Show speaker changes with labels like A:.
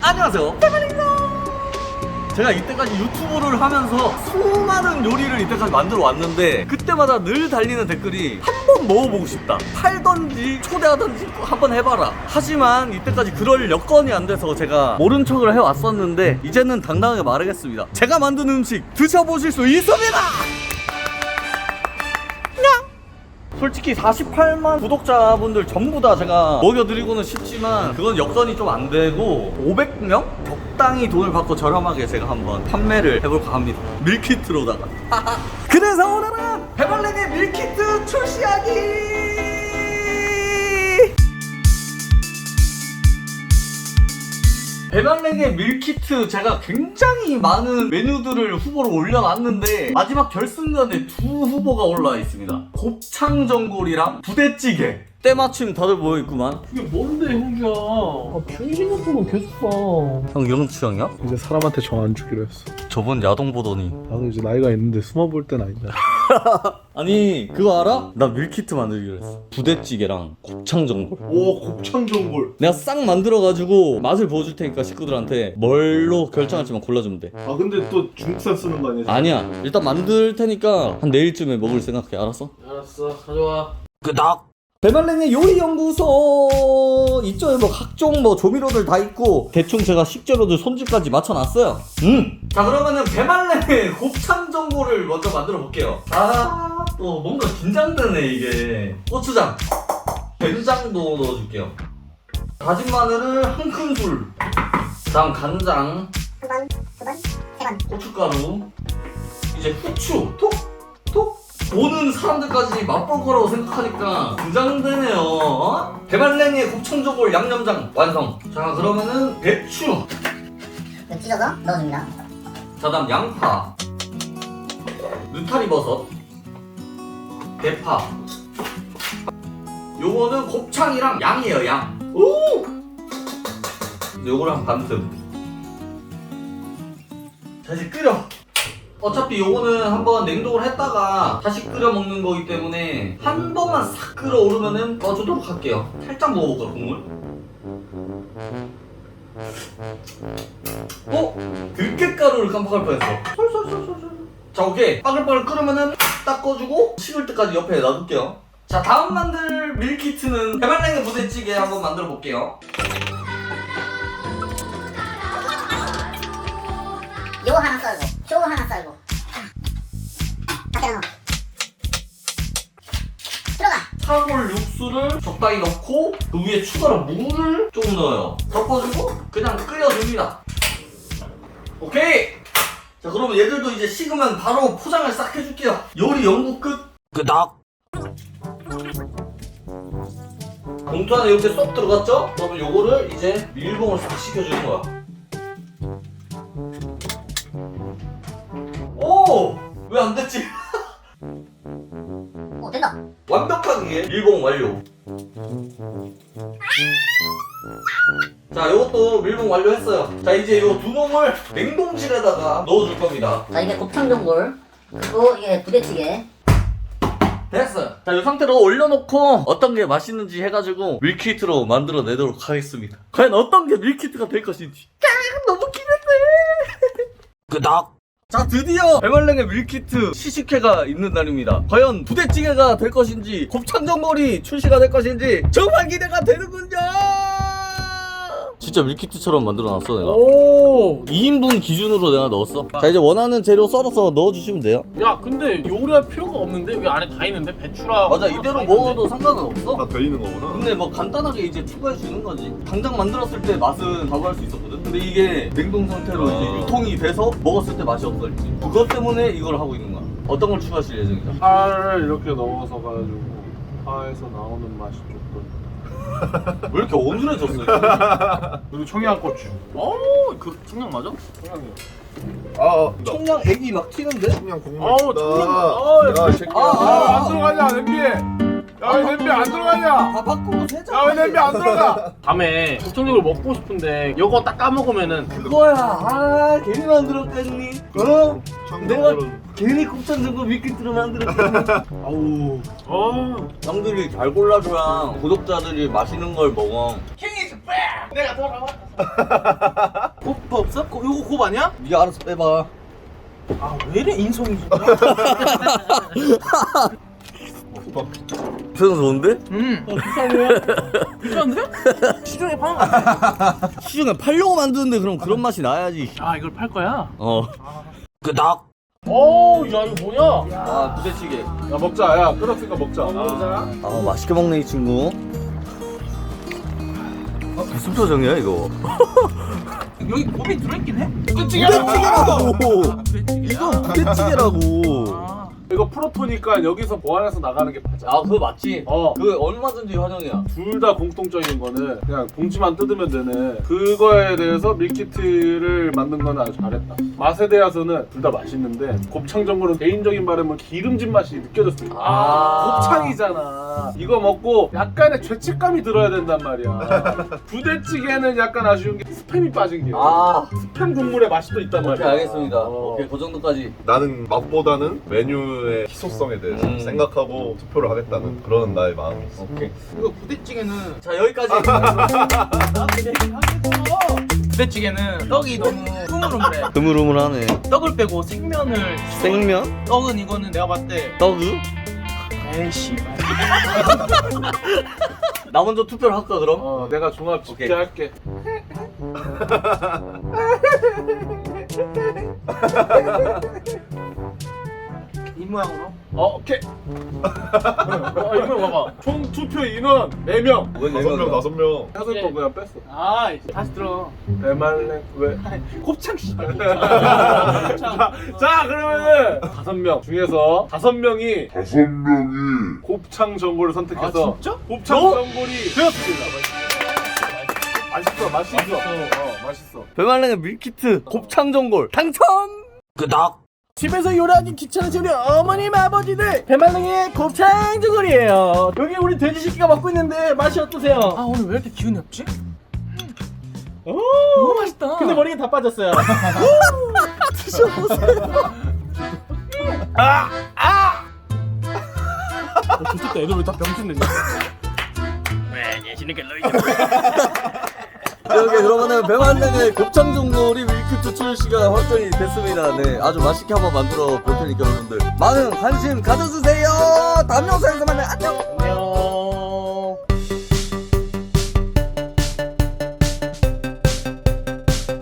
A: 안녕하세요, 대만입니다. 제가 이때까지 유튜브를 하면서 수많은 요리를 이때까지 만들어 왔는데 그때마다 늘 달리는 댓글이 한번 먹어보고 싶다, 팔던지 초대하던지 한번 해봐라. 하지만 이때까지 그럴 여건이 안 돼서 제가 모른 척을 해왔었는데 이제는 당당하게 말하겠습니다. 제가 만든 음식 드셔보실 수 있습니다. 솔직히 48만 구독자분들 전부 다 제가 먹여드리고는 싶지만 그건 여건이 좀 안 되고 500명? 적당히 돈을 받고 저렴하게 제가 한번 판매를 해볼까 합니다. 밀키트로다가. 그래서 오늘은 배말랭의 밀키트 출시하기! 배말랭의 밀키트 제가 굉장히 많은 메뉴들을 후보로 올려놨는데 마지막 결승전에 두 후보가 올라와 있습니다. 곱창전골이랑 부대찌개. 때마침 다들 모여있구만.
B: 그게 뭔데 형이야? 병신 같은 거 계속 봐.
A: 형 이런 취향이야?
B: 이제 사람한테 정 안 주기로 했어.
A: 저번 야동 보더니.
B: 나도 이제 나이가 있는데 숨어볼 땐 아니다.
A: 아니 그거 알아? 나 밀키트 만들기로 했어. 부대찌개랑 곱창전골.
B: 오, 곱창전골.
A: 내가 싹 만들어가지고 맛을 보여줄 테니까 식구들한테 뭘로 결정할지만 골라주면 돼.
B: 아 근데 또 중국산 쓰는 거 아니야?
A: 아니야, 일단 만들 테니까 한 내일쯤에 먹을 생각해. 알았어?
B: 알았어, 가져와.
A: 끄덕. 배말랭의 요리연구소 이쪽에 뭐 각종 뭐 조미료들 다 있고 대충 제가 식재료들 손질까지 맞춰놨어요. 자, 그러면은 배말랭의 곱창전골을 먼저 만들어 볼게요. 아, 또 뭔가 긴장되네 이게. 고추장, 된장도 넣어줄게요. 다진 마늘을 한 큰술, 다음 간장,
C: 한 번, 두 번, 세 번.
A: 고춧가루, 이제 후추, 톡. 보는 사람들까지 맛볼 거라고 생각하니까 긴장되네요. 어? 배말랭의 곱창전골 양념장 완성. 자, 그러면은 배추,
C: 찢어서 넣어줍니다.
A: 자, 다음 양파, 느타리버섯, 대파. 요거는 곱창이랑 양이에요, 양. 오! 요거를 한 반틈. 자, 이제 끓여. 어차피 요거는 한번 냉동을 했다가 다시 끓여 먹는 거기 때문에 한 번만 싹 끓어오르면은 꺼주도록 할게요. 살짝 먹어볼까, 국물? 들깨가루를 깜빡할 뻔했어. 솔솔솔솔솔. 자, 오케이. 빠글빠글 끓으면은 딱 꺼주고 식을 때까지 옆에 놔둘게요. 자, 다음 만들 밀키트는 배말랭의 부대찌개 한번 만들어 볼게요.
C: 요 하나 썰고, 쇼 하나 썰고. 다 때려 넣어. 들어가.
A: 사골 육수를 적당히 넣고 그 위에 추가로 물을 좀 넣어요. 섞어주고 그냥 끓여줍니다. 오케이! 자, 그러면 얘들도 이제 식으면 바로 포장을 싹 해줄게요. 요리 연구 끝! 끄덕! 봉투 안에 이렇게 쏙 들어갔죠? 그러면 요거를 이제 밀봉을 싹 시켜주는 거야. 오! 왜 안 됐지?
C: 오, 된다.
A: 완벽하게 밀봉 완료. 자, 요것도 밀봉 완료했어요. 자, 이제 요 두 놈을 냉동실에다가 넣어줄 겁니다.
C: 자, 이게 곱창전골. 그리고 이게 부대찌개.
A: 됐어요. 자, 이 상태로 올려놓고 어떤 게 맛있는지 해가지고 밀키트로 만들어내도록 하겠습니다. 과연 어떤 게 밀키트가 될 것인지. 너무 기대돼. 끄덕. 자, 드디어 배말랭의 밀키트 시식회가 있는 날입니다. 과연 부대찌개가 될 것인지 곱창전골이 출시가 될 것인지 정말 기대가 되는군요. 진짜 밀키트처럼 만들어놨어 내가.
B: 오.
A: 2인분 기준으로 내가 넣었어. 자, 이제 원하는 재료 썰어서 넣어주시면 돼요.
B: 야, 근데 요리할 필요가 없는데 왜 안에 다 있는데 배추랑.
A: 맞아, 이대로 먹어도 상관은 없어.
D: 다 들리는 거구나.
A: 근데 뭐 간단하게 이제 추가해 주는 거지. 당장 만들었을 때 맛은 바로 할 수 있었거든. 근데 이게 냉동 상태로 이제 유통이 돼서 먹었을 때 맛이 없어졌지. 그것 때문에 이걸 하고 있는 거야. 어떤 걸 추가하실 예정이죠?
B: 파를 이렇게 넣어서 가지고 파에서 나오는 맛이 조금.
A: 왜 이렇게 어눌해졌어?
B: 그리고 청양고추.
A: 그 청량 맞아?
B: 청양이요.
D: 아,
A: 청량 액이 막 튀는데?
D: 청량 국물.
B: 아우, 청량.
D: 야, 이 새끼야.
B: 안 들어가냐, 냄비에. 야, 왜 냄비 안 들어가냐?
A: 다 바꾸고 세자.
B: 야, 왜 냄비 안 들어가? 밤에 곱창전골 먹고 싶은데 이거 딱 까먹으면은
A: 그거야. 아, 괜히 만들었겠니? 어? 내가
D: 청량국물은
A: 괜히 곱창전골 밀키트로 만들었겠니? 아우.
B: 아,
A: 남들이 잘 골라줘야 구독자들이 맛있는 걸 먹어. 킹이즈
B: 내가 돌아왔다. 곱 없어? 요거 곱 아니야?
A: 네가 알아서 빼봐.
B: 아 왜 이래 인성이 진짜.
A: 표정 좋은데?
B: 괜찮은데? 시중에 파는 거 같아.
A: 시중에 팔려고 만드는데 그럼 그런 맛이 나야지.
B: 아 이걸 팔 거야?
A: 끄덕.
B: 오, 야 이거 뭐냐?
A: 아 부대찌개.
D: 야 먹자. 야 끓었으니까 먹자.
A: 아 맛있게 먹네 이 친구. 무슨 표정이야 이거?
B: 여기 곱이 들어있긴 해?
A: 부대찌개라고.
B: 부대찌개야?
A: 이거 부대찌개라고.
B: 아.
D: 이거 프로토니까 여기서 보완해서 나가는 게 맞아.
A: 아 그거 맞지?
D: 어.
A: 그 얼마든지 환영이야.
D: 둘 다 공통적인 거는 그냥 봉지만 뜯으면 되는 그거에 대해서 밀키트를 만든 거는 아주 잘했다. 맛에 대해서는 둘 다 맛있는데 곱창전골은 개인적인 바람은 기름진 맛이 느껴졌습니다. 곱창이잖아. 이거 먹고 약간의 죄책감이 들어야 된단 말이야. 부대찌개는 약간 아쉬운 게 스팸이 빠진 게 스팸 국물의 맛이 또 있단 말이야.
A: 오케이 알겠습니다.
D: 어.
A: 오케이 그 정도까지.
E: 나는 맛보다는 메뉴의 희소성에 대해서 생각하고 투표를 하겠다는 그런 나의 마음이 있어.
A: 오케이.
B: 이거 부대찌개는
A: 자 여기까지.
B: 부대찌개는 떡이 너무 흐물흐물해.
A: 드물드물하네.
B: 떡을 빼고 생면을
A: 생면?
B: 떡은 이거는 내가 봤을 때
A: 떡우?
B: 에이씨
A: 나 먼저 투표를 할까 그럼?
D: 내가 종합 집계
A: 오케이.
D: 할게.
B: 이 모양으로
D: 오케이. 이거 봐봐. 총 투표 인원 4명.
A: 왜
E: 5명, 5명.
D: 해설 거 그냥 뺐어.
B: 아 다시 들어
D: 대말랭 왜?
B: 곱창 씨발
D: 자 그러면은 5명 중에서 5명이 곱창 전골을 선택해서
B: 아, 진짜?
D: 곱창 전골이 되었습니다. 맛있어. 맛있어.
A: 배말랭의 밀키트 곱창전골 당첨! 끄덕!
B: 집에서 요리하기 귀찮으신 우리 어머님 아버지들 배말랭이의 곱창 전골이에요. 여기 우리 돼지새끼가 먹고 있는데 맛이 어떠세요? 아 오늘 왜 이렇게 기운이 없지? 너무 맛있다. 근데 머리가 다 빠졌어요.
A: 드셔보세요.
B: 좋겠다. 애들 왜 다 병신되냐?
A: 오케이 그러면은 배말랭의 곱창전골이 밀키트 출시가 확정이 됐습니다. 네 아주 맛있게 한번 만들어 볼 테니까 여러분들 많은 관심 가져주세요. 다음 영상에서 만나요. 안녕.
B: 안녕.